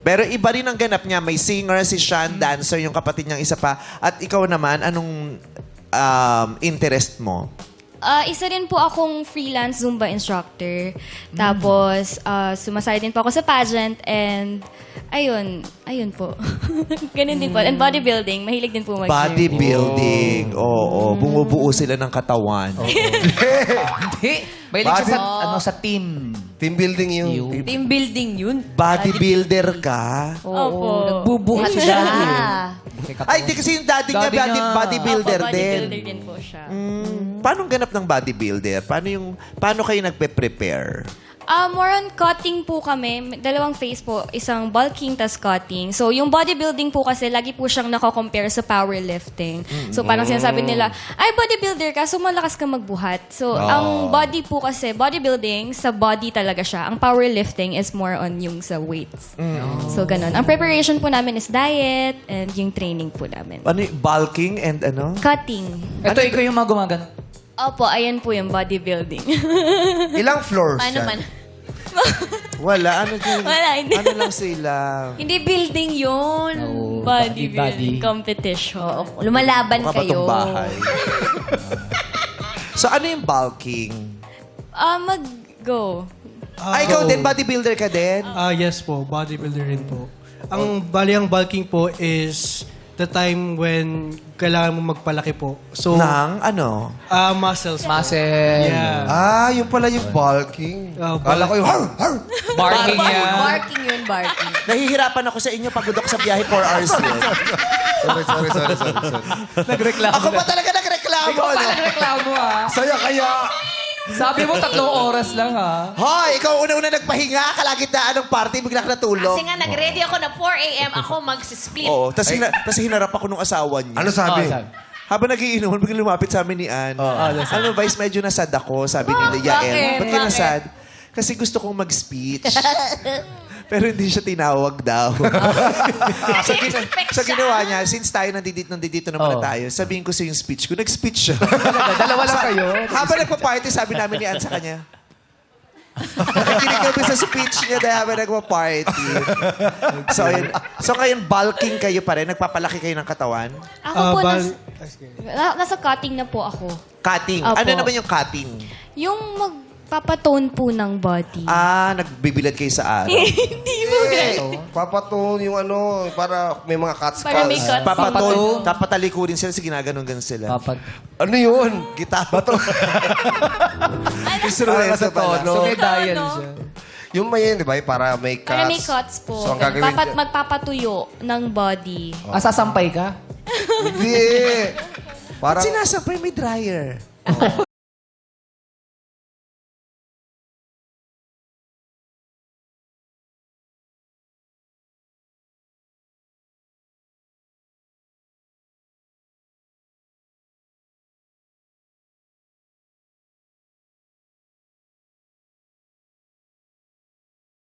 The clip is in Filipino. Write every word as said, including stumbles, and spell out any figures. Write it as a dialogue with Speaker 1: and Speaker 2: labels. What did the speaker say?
Speaker 1: Pero iba rin ang ganap niya. May singer, si Sean, dancer, yung kapatid niyang isa pa. At ikaw naman, anong um, interest mo?
Speaker 2: Ah, isa rin po akong freelance Zumba instructor. Tapos, ah, sumasali din po ako sa pageant and ayun, ayun po. Ganun din po. And bodybuilding, mahilig din po mag
Speaker 1: Bodybuilding. Oo, bumubuo sila ng katawan.
Speaker 3: Hindi. May siya sa, ano, sa team.
Speaker 4: Team building yun.
Speaker 3: Yun.
Speaker 5: Team building yun.
Speaker 1: Bodybuilder ka?
Speaker 2: Opo.
Speaker 5: Nagbubuhat
Speaker 3: Si
Speaker 5: siya.
Speaker 3: Daddy.
Speaker 1: Ay, di kasi yung daddy, niya,
Speaker 3: Daddy
Speaker 1: body,
Speaker 3: niya.
Speaker 1: bodybuilder
Speaker 2: Opo,
Speaker 1: din.
Speaker 2: bodybuilder din po siya.
Speaker 1: Mm, paano ganap ng bodybuilder? Paano yung paano kayo nagpe-prepare?
Speaker 2: Ah, more on cutting po kami. Dalawang phase po. Isang bulking, tas cutting. So, yung bodybuilding po kasi, lagi po siyang nako-compare sa powerlifting. So, parang sinasabi nila, ay, bodybuilder ka, so malakas ka magbuhat. So, ang body po kasi, bodybuilding, sa body talaga siya. Ang powerlifting is more on yung sa weights. So, ganun. Ang preparation po namin is diet and yung training po namin.
Speaker 1: Ano yung bulking and ano?
Speaker 2: Cutting.
Speaker 3: Ito, ikaw yung mga gumagano.
Speaker 2: Opo, ayan po yung bodybuilding.
Speaker 4: Ilang floors
Speaker 5: Paano
Speaker 4: yan?
Speaker 5: man?
Speaker 1: Wala, ano din?
Speaker 2: Wala, hindi.
Speaker 1: Ano lang sila?
Speaker 5: Hindi building yun.
Speaker 3: Oo.
Speaker 2: Bodybuilding
Speaker 3: Body.
Speaker 2: competition.
Speaker 5: Oo, lumalaban
Speaker 1: Mukha ba
Speaker 5: kayo.
Speaker 1: tong bahay? So, ano yung bulking?
Speaker 2: Ah, mag-go.
Speaker 1: Ay, ikaw din, bodybuilder ka din?
Speaker 6: Ah, yes po. Bodybuilder rin po. Ang bali ang bulking po is the time when kailangan mo magpalaki po. So,
Speaker 1: Nang ano?
Speaker 6: ah muscles po.
Speaker 3: Muscle.
Speaker 6: Yeah.
Speaker 4: Ah, yung pala yung bulking.
Speaker 6: Oh,
Speaker 4: Kala ko yung har, har.
Speaker 3: Barking yan.
Speaker 5: Barking yun, barking.
Speaker 1: Nahihirapan ako sa inyo pagod ako sa biyahe four hours yun.
Speaker 4: Sorry, sorry, sorry, sorry, sorry.
Speaker 3: Nagreklamo
Speaker 1: Ako pa talaga nagreklamo.
Speaker 3: Ikaw pa
Speaker 1: ano?
Speaker 3: nagreklamo, ha?
Speaker 4: Saya kaya.
Speaker 3: Sabi mo, tatlong oras lang, ha?
Speaker 1: Hoy, ikaw una-una nagpahinga, kalagitnaan ng party, bigla ka natulog.
Speaker 5: Kasi nga, nag-ready ako na four a.m. Ako mag-split.
Speaker 1: Oo, tapos hina, tas hinarap ako nung asawa niya.
Speaker 4: Ano sabi?
Speaker 3: Oh, sabi.
Speaker 1: Habang nagiinuman, biglang lumapit sa amin ni Ann. Ano, Vice, medyo nasad ako, sabi ni Yael.
Speaker 5: bakit?
Speaker 1: Ba't ka
Speaker 5: Bakit?
Speaker 1: nasad? Kasi gusto kong mag-speech. Pero hindi siya tinawag daw. so, gina- so, ginawa niya, since tayo nandito, nandito naman
Speaker 3: Oh.
Speaker 1: na tayo, sabihin ko sa yung speech ko, nag-speech siya.
Speaker 3: Dalawa lang kayo.
Speaker 1: Habang nagpa-party, sabi namin ni Ann sa kanya, nakikinig kami sa speech niya dahil habang nagpa-party. So, ayun. So, ngayon, bulking kayo pa rin? Nagpapalaki kayo ng katawan?
Speaker 2: Ako
Speaker 6: Ah,
Speaker 2: po,
Speaker 6: bal-
Speaker 2: nas, na- nasa cutting na po ako.
Speaker 1: Cutting.
Speaker 2: Opo.
Speaker 1: Ano naman yung cutting?
Speaker 2: Yung magpapatone po ng body.
Speaker 1: Ah, nagbibilad kayo sa araw.
Speaker 2: Hindi mo
Speaker 4: Eh, papatun yung ano, para may mga cuts
Speaker 2: Para may
Speaker 4: cuts.
Speaker 2: cuts.
Speaker 1: Papaton,
Speaker 3: Papaton.
Speaker 1: tapatalikurin sila, sige ginaganon-ganon sila.
Speaker 3: Papat.
Speaker 4: Ano yun?
Speaker 1: Gitara. Instrumento
Speaker 4: Para sa
Speaker 1: pala.
Speaker 4: tono.
Speaker 3: So, may dial
Speaker 2: Ano?
Speaker 3: siya.
Speaker 4: Yung may yun, di ba? Para may cuts.
Speaker 2: Para may cuts po.
Speaker 4: So, ang gagawin
Speaker 2: Papat, magpapatuyo ng body.
Speaker 3: Ah, sasampay ka?
Speaker 4: Hindi. Parang,
Speaker 1: Sinasampay may dryer.